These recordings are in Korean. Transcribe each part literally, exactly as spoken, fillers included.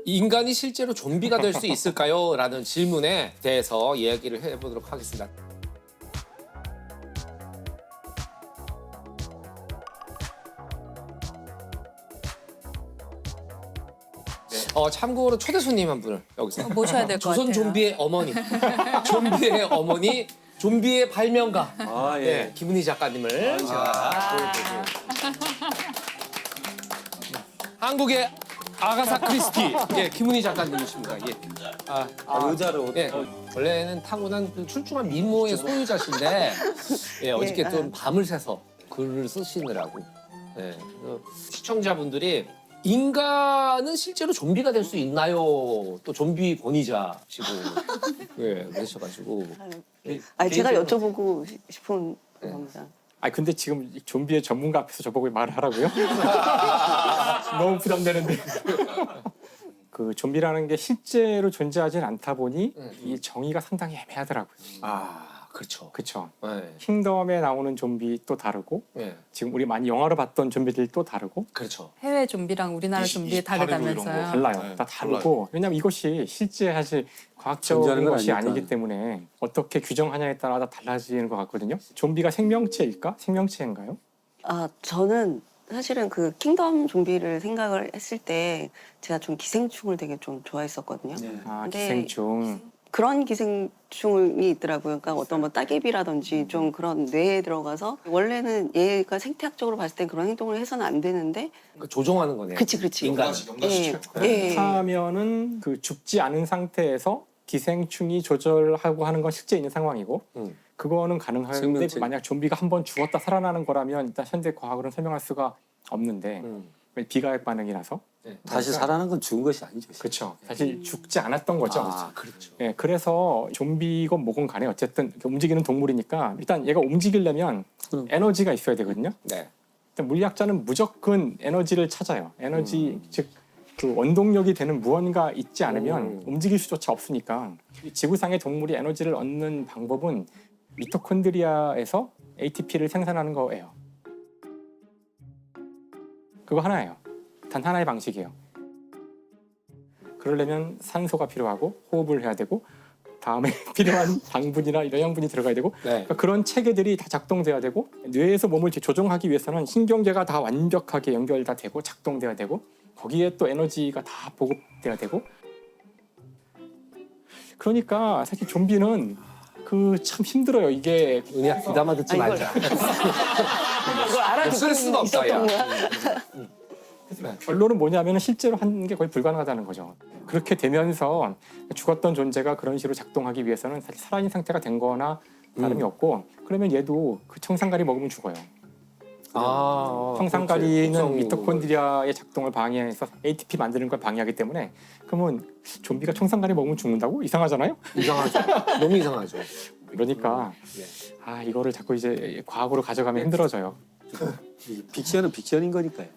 인간이 실제로 좀비가 될 수 있을까요? 라는 질문에 대해서 이야기를 해보도록 하겠습니다. 어, 참고로 초대 손님 한 분을 여기서 모셔야 될 것 같아요. 조선 좀비의 어머니, 좀비의 어머니, 좀비의 발명가 아, 예. 네, 김은희 작가님을 제가 보여드리고 한국의 아가사 크리스티 예, 김은희 작가님이십니다. 예. 아, 아, 의자로. 예, 원래는 타고난 그 출중한 미모의 소유자신데 예, 어저께 예, 좀 밤을 새서 글을 쓰시느라고 예, 그래서 시청자분들이 인간은 실제로 좀비가 될 수 있나요? 또 좀비 권위자시고 예, 그러셔가지고 아니 제가 개인적으로- 여쭤보고 시- 싶은 겁니다. 아 근데 지금 이 좀비의 전문가 앞에서 저보고 말을 하라고요? 너무 부담되는데. 그 좀비라는 게 실제로 존재하진 않다 보니 음. 이 정의가 상당히 애매하더라고요. 아 그렇죠. 그렇죠. 예, 킹덤에 나오는 좀비 또 다르고 예, 지금 우리 많이 영화로 봤던 좀비들 또 다르고 그렇죠. 해외 좀비랑 우리나라 이십- 좀비 이십팔 일 이런 다르다면서요. 거. 달라요. 네, 다 다르고 왜냐하면 이것이 실제 사실 과학적인 존재하는 건 것이 아니니까. 아니기 때문에 어떻게 규정하냐에 따라 다 달라지는 것 같거든요. 좀비가 생명체일까? 생명체인가요? 아 저는 사실은 그 킹덤 좀비를 생각을 했을 때 제가 좀 기생충을 되게 좀 좋아했었거든요. 네. 아 근데 기생충. 그런 기생충이 있더라고요. 그러니까 어떤 뭐 따개비라든지 좀 그런 뇌에 들어가서 원래는 얘가 생태학적으로 봤을 때 그런 행동을 해서는 안 되는데 그 조종하는 거네. 그치 그치. 인간. 연가시, 연가시켜. 예. 예. 하면은 그 죽지 않은 상태에서 기생충이 조절하고 하는 건 실제 있는 상황이고 음. 그거는 가능한데 생명체. 만약 좀비가 한 번 죽었다 살아나는 거라면 일단 현대 과학으로는 설명할 수가 없는데 음. 비가역 반응이라서 네. 다시 살아난 건 죽은 것이 아니죠. 그렇죠. 사실 죽지 않았던 거죠. 아 그렇죠. 예, 그래서 좀비건 뭐건 간에 어쨌든 움직이는 동물이니까 일단 얘가 움직이려면 음. 에너지가 있어야 되거든요. 네. 일단 물리학자는 무조건 에너지를 찾아요. 에너지 즉 그 원동력이 되는 무언가 있지 않으면 음. 움직일 수조차 없으니까 이 지구상의 동물이 에너지를 얻는 방법은 미토콘드리아에서 에이티피를 생산하는 거예요. 그거 하나예요. 단 하나의 방식이에요. 그러려면 산소가 필요하고 호흡을 해야 되고 다음에 필요한 당분이나 이런 영분이 들어가야 되고 네. 그러니까 그런 체계들이 다 작동돼야 되고 뇌에서 몸을 이렇게 조종하기 위해서는 신경계가 다 완벽하게 연결 다 되고 작동돼야 되고 거기에 또 에너지가 다 보급돼야 되고 그러니까 사실 좀비는 그 참 힘들어요. 이게 은희야 귀담아 듣지 아, 이걸- 말자. 이걸 알아듣고 쓸 수가 없다, 야. 있었던 거야. 결론은 뭐냐면 실제로 하는 게 거의 불가능하다는 거죠. 그렇게 되면서 죽었던 존재가 그런 식으로 작동하기 위해서는 사실 살아있는 상태가 된 거나 다름이 음. 없고 그러면 얘도 그 청산가리 먹으면 죽어요. 아, 청산가리는 그렇지. 미토콘드리아의 작동을 방해해서 에이티피 만드는 걸 방해하기 때문에 그러면 좀비가 청산가리 먹으면 죽는다고? 이상하잖아요? 이상하죠. 너무 이상하죠. 그러니까 예. 아 이거를 자꾸 이제 과학으로 가져가면 힘들어져요. 이 픽션은 픽션인 거니까요.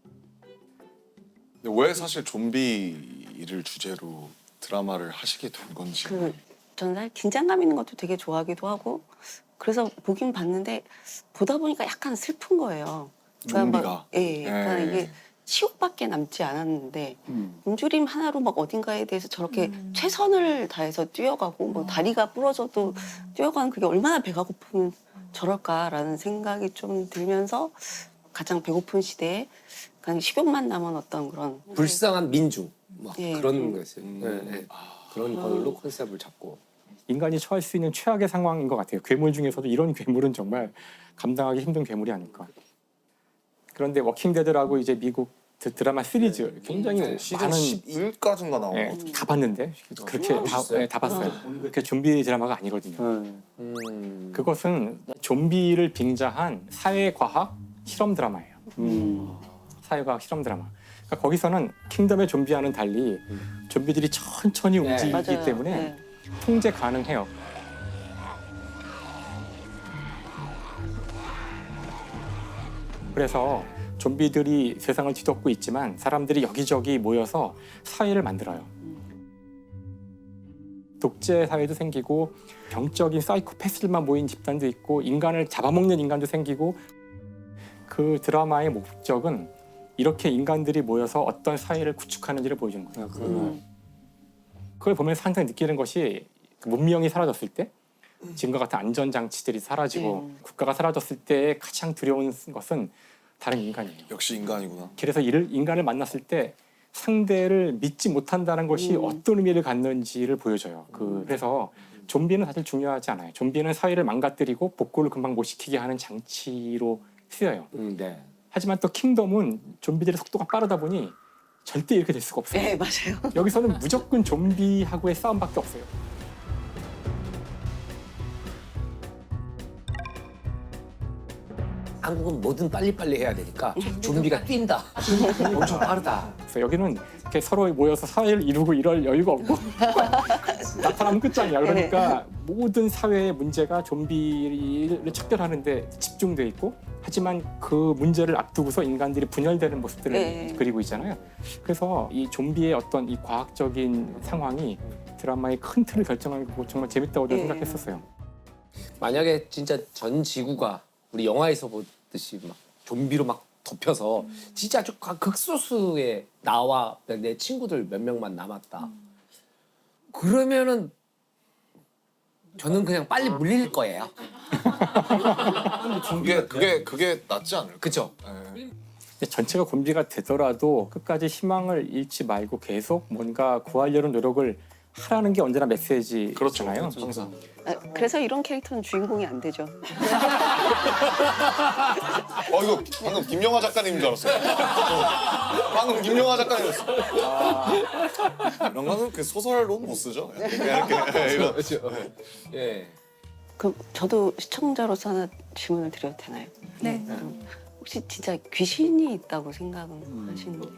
근데 왜 사실 좀비를 주제로 드라마를 하시게 된 건지. 그 저는 사실 긴장감 있는 것도 되게 좋아하기도 하고 그래서 보긴 봤는데 보다 보니까 약간 슬픈 거예요. 그러니까 좀비가. 막, 예, 그러니까 예. 이게 치욕밖에 남지 않았는데 음. 굶주림 하나로 막 어딘가에 대해서 저렇게 음. 최선을 다해서 뛰어가고 뭐 다리가 부러져도 뛰어가는 그게 얼마나 배가 고프면 저럴까라는 생각이 좀 들면서 가장 배고픈 시대에 그냥 식욕만 남은 어떤 그런 불쌍한 민중 막 예, 그런 음. 거였어요. 음. 예, 예. 그런 걸로 컨셉을 잡고. 인간이 처할 수 있는 최악의 상황인 것 같아요. 괴물 중에서도 이런 괴물은 정말 감당하기 힘든 괴물이 아닐까. 그런데 워킹데드라고 이제 미국 드- 드라마 시리즈 굉장히 네, 시즌 많은 십일까지인가 나온 예, 것 같아요. 다 봤는데 그렇게 다, 보셨어요? 예, 다 봤어요. 그렇게 좀비 드라마가 아니거든요. 어. 음. 그것은 좀비를 빙자한 사회과학 실험 드라마예요. 음. 사회과학 실험 드라마. 그러니까 거기서는 킹덤의 좀비와는 달리 좀비들이 천천히 네. 움직이기 맞아요. 때문에 네. 통제 가능해요. 그래서 좀비들이 세상을 뒤덮고 있지만 사람들이 여기저기 모여서 사회를 만들어요. 독재 사회도 생기고 병적인 사이코패스들만 모인 집단도 있고 인간을 잡아먹는 인간도 생기고 그 드라마의 목적은 이렇게 인간들이 모여서 어떤 사회를 구축하는지를 보여주는 거예요. 아, 그러네. 음. 그걸 보면서 항상 느끼는 것이 그 문명이 사라졌을 때 지금과 같은 안전장치들이 사라지고 음. 국가가 사라졌을 때 가장 두려운 것은 다른 인간이에요. 역시 인간이구나. 그래서 이를 인간을 만났을 때 상대를 믿지 못한다는 것이 음. 어떤 의미를 갖는지를 보여줘요. 그, 그래서 좀비는 사실 중요하지 않아요. 좀비는 사회를 망가뜨리고 복구를 금방 못 시키게 하는 장치로 쓰여요. 음, 네. 하지만 또 킹덤은 좀비들의 속도가 빠르다 보니 절대 이렇게 될 수가 없어요. 네, 맞아요. 여기서는 무조건 좀비하고의 싸움밖에 없어요. 한국은 뭐든 빨리빨리 해야 되니까 좀비가 뛴다. 엄청 빠르다. 그래서 여기는 이렇게 서로 모여서 사회를 이루고 이럴 여유가 없고 나타나면 끝장이야. 그러니까 모든 사회의 문제가 좀비를 척결하는데 집중돼 있고 하지만 그 문제를 앞두고서 인간들이 분열되는 모습들을 네. 그리고 있잖아요. 그래서 이 좀비의 어떤 이 과학적인 상황이 드라마의 큰 틀을 결정하고 정말 재밌다고 네. 생각했었어요. 만약에 진짜 전 지구가 우리 영화에서 보듯이 막 좀비로 막 덮여서 진짜 아주 극소수의 나와 내 친구들 몇 명만 남았다. 그러면은 저는 그냥 빨리 물릴 거예요. 그게 그게 그게 낫지 않을까? 그죠? 예. 근데 전체가 좀비가 되더라도 끝까지 희망을 잃지 말고 계속 뭔가 구하려는 노력을 하라는 게 언제나 메시지잖아요. 그렇죠. 항상. 아, 그래서 이런 캐릭터는 주인공이 안 되죠. 어 이거 방금 김영하 작가님인 줄 알았어요. 어, 방금 김영하 작가님이었어. 이런 거는 그 소설로 못 쓰죠. 그냥 이렇게 예, 이런. 그렇죠. 예. 그럼 저도 시청자로서 하나 질문을 드려도 되나요? 네. 음, 혹시 진짜 귀신이 있다고 생각은 하시는지?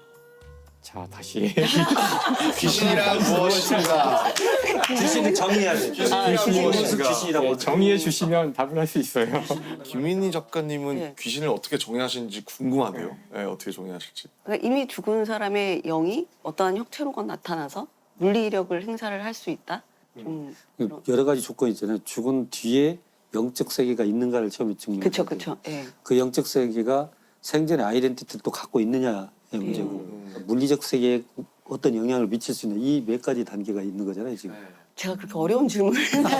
자 다시 귀신이란 무엇인가? 귀신을 정의해야 돼. 귀신이란 무엇인가? 귀신이라고 네, 정의해 주시면 답을 할 수 있어요. 김민희 작가님은 네. 귀신을 어떻게 정의하시는지 궁금하네요. 예, 어떻게 정의하실지. 그러니까 이미 죽은 사람의 영이 어떠한 형태로건 나타나서 물리력을 행사를 할 수 있다? 좀 그 여러 가지 조건이 있잖아요. 죽은 뒤에 영적 세계가 있는가를 처음에 증명. 그쵸, 그쵸. 예. 그 영적 세계가 생전의 아이덴티티를 또 갖고 있느냐의 문제고 음. 물리적 세계에 어떤 영향을 미칠 수 있는 이 몇 가지 단계가 있는 거잖아요 지금. 제가 그렇게 어려운 질문을.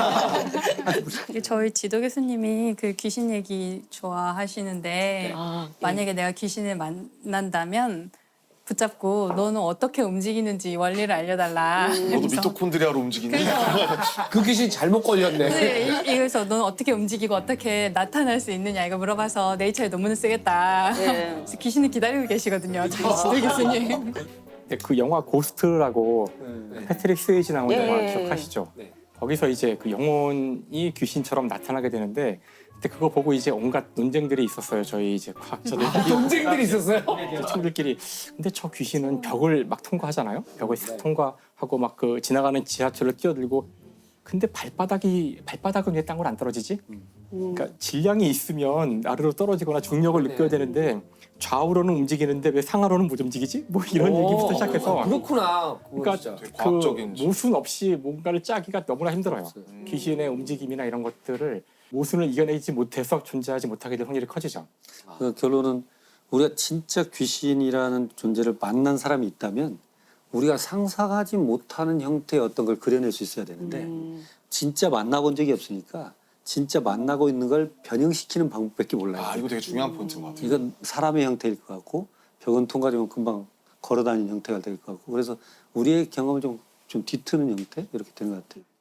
이게 저희 지도 교수님이 그 귀신 얘기 좋아하시는데 아, 예. 만약에 내가 귀신을 만난다면 붙잡고 너는 어떻게 움직이는지 원리를 알려달라. 너도 그래서- 미토콘드리아로 움직이니? 그 귀신 잘못 걸렸네. 네, 이- 이래서 너는 어떻게 움직이고 어떻게 나타날 수 있느냐 이거 물어봐서 네이처에 논문을 쓰겠다. 네. 그래서 귀신을 기다리고 계시거든요. 저희 지도 교수님. 근데 그 영화 고스트라고 패트릭 스웨이지 나온 예. 영화 기억하시죠? 네. 거기서 이제 그 영혼이 귀신처럼 나타나게 되는데 근데 그거 보고 이제 온갖 논쟁들이 있었어요. 저희 이제 과학자들 동생들이 있었어요? 친구들끼리. 근데 저 귀신은 벽을 막 통과하잖아요. 벽을 싹 통과하고 막 그 지나가는 지하철을 뛰어들고. 근데 발바닥이 발바닥은 왜 땅으로 안 떨어지지? 음. 그러니까 질량이 있으면 아래로 떨어지거나 중력을 느껴야 되는데 좌우로는 움직이는데 왜 상하로는 못 움직이지? 뭐 이런 오, 얘기부터 시작해서 그렇구나. 그거 그러니까 진짜. 되게 그 과학적인 모순 없이 뭔가를 짜기가 너무나 힘들어요. 음. 귀신의 움직임이나 이런 것들을 모순을 이겨내지 못해서 존재하지 못하게 될 확률이 커지죠. 그 결론은 우리가 진짜 귀신이라는 존재를 만난 사람이 있다면 우리가 상상하지 못하는 형태의 어떤 걸 그려낼 수 있어야 되는데 음. 진짜 만나본 적이 없으니까 진짜 만나고 있는 걸 변형시키는 방법밖에 몰라요. 아 이거 되게 중요한 포인트인 것 같아요. 이건 사람의 형태일 것 같고 벽은 통과되면 금방 걸어다니는 형태가 될 것 같고 그래서 우리의 경험을 좀, 좀 뒤트는 형태 이렇게 되는 것 같아요.